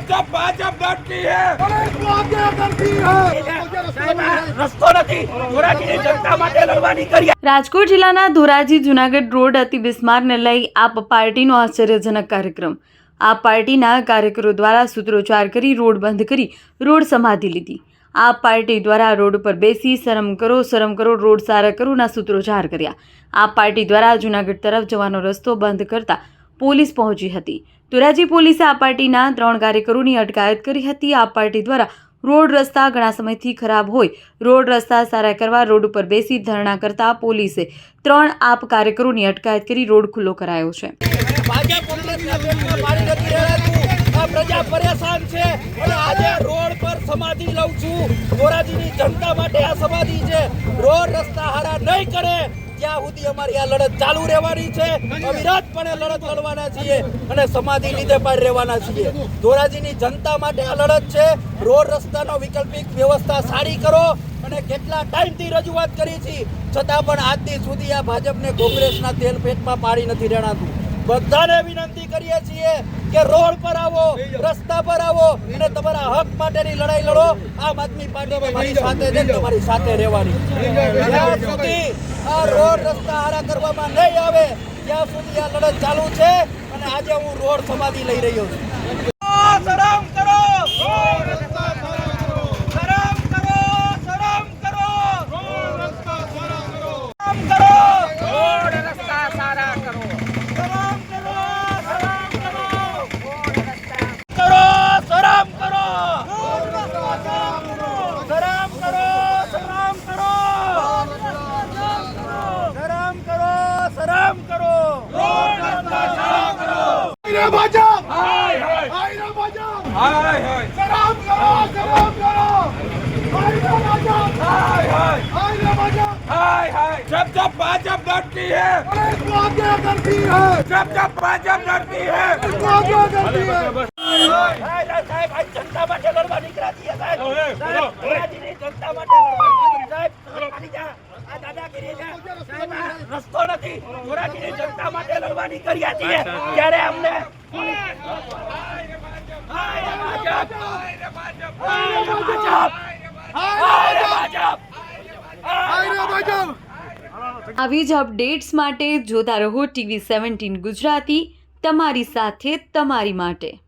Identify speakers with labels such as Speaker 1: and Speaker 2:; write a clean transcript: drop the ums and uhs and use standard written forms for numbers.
Speaker 1: जब भाजप डरती है
Speaker 2: पुलिस को आगे करती है
Speaker 1: रस्तो નથી ધોરાજીની જનતા માટે લડવાની કરી।
Speaker 3: રાજકોટ જિલ્લાના ધોરાજી જૂનાગઢ રોડ અતિ બિસ્મારને લઈ આપ પાર્ટીનો આશ્ચર્યજનક કાર્યક્રમ। આ પાર્ટીના કાર્યકરો દ્વારા સૂત્રોચ્ચાર કરી રોડ બંધ કરી રોડ સમાધિ લીધી। આ પાર્ટી દ્વારા રોડ પર બેસી શરમ કરો રોડ સારા કરોના સૂત્રોચ્ચાર કર્યા। આ પાર્ટી દ્વારા જૂનાગઢ તરફ જવાનો રસ્તો બંધ કરતા પોલીસ પહોંચી હતી। ધોરાજી પોલીસે આ પાર્ટીના 3 કાર્યકરોની અટકાયત કરી હતી। આ પાર્ટી દ્વારા રોડ રસ્તા ઘણા સમયથી ખરાબ હોય રોડ રસ્તા સારા કરવા રોડ ઉપર બેસી ધરણા કરતા પોલીસે 3 આપ કાર્યકરોની અટકાયત કરી રોડ ખુલ્લો કરાયો છે।
Speaker 1: ભાજપ કોંગ્રેસના પેટમાં પાણી નથી રહેતું। આ પ્રજા પરેશાન છે અને આજે રોડ પર સમાધિ લઉં છું। ધોરાજીની જનતા માટે આ સમાધિ છે। રોડ રસ્તા હારા નહીં કરે ત્યાં સુધી અમારી આ લડત ચાલુ રહેવાની છે। અવિરતપણે લડત લડવાના છીએ અને સમાધિ લીધે પણ રહેવાના છીએ। ધોરાજીની જનતા માટે આ લડત છે। રોડ રસ્તાનો વૈકલ્પિક વ્યવસ્થા સારી કરો અને કેટલા ટાઈમથી રજૂઆત કરી છે છતાં પણ આજ દી સુધી આ ભાજપને કોંગ્રેસના તેલ પેટમાં પાણી નથી રેણાતું। બધાને વિનંતી કરીએ છીએ કે રોડ પર આવો, રસ્તા પર આવો અને તમારા હક માટેની લડાઈ લડો। આમ આદમી પાર્ટી તમારી સાથે છે, તમારી સાથે રહેવાની। જ્યાં સુધી આ રોડ રસ્તા હારા કરવામાં નહીં આવે ત્યાં સુધી આ લડત ચાલુ છે અને આજે હું રોડ સમાધિ લઈ રહ્યો છું। શરમ કરો, શરમ કરો, શરમ કરો, શરમ કરો, શરમ કરો, રોડ રસ્તા સારા કરો।
Speaker 2: भाजप
Speaker 1: हाय हाय
Speaker 2: हाय भाजप
Speaker 1: हाय हाय
Speaker 2: शराब करो हाय भाजप
Speaker 1: हाय हाय
Speaker 2: हाय भाजप
Speaker 1: हाय हाय जब भाजप डरती है
Speaker 2: पुलिस को आगे करती है
Speaker 1: जब भाजप डरती है
Speaker 2: पुलिस को आगे करती है
Speaker 1: સાહેબ આ જનતા માટે લડવા નીકળ્યા છીએ સાહેબ ધોરાજીની જનતા માટે લડવા સાહેબ આ દાદાગીરી છે સાહેબ આ રસ્તો નથી ધોરાજીની જનતા માટે લડવાની કર્યા છીએ ત્યારે અમને
Speaker 3: આવી જ અપડેટ્સ માટે જોતા રહો TV 17 ગુજરાતી, તમારી સાથે તમારી માટે।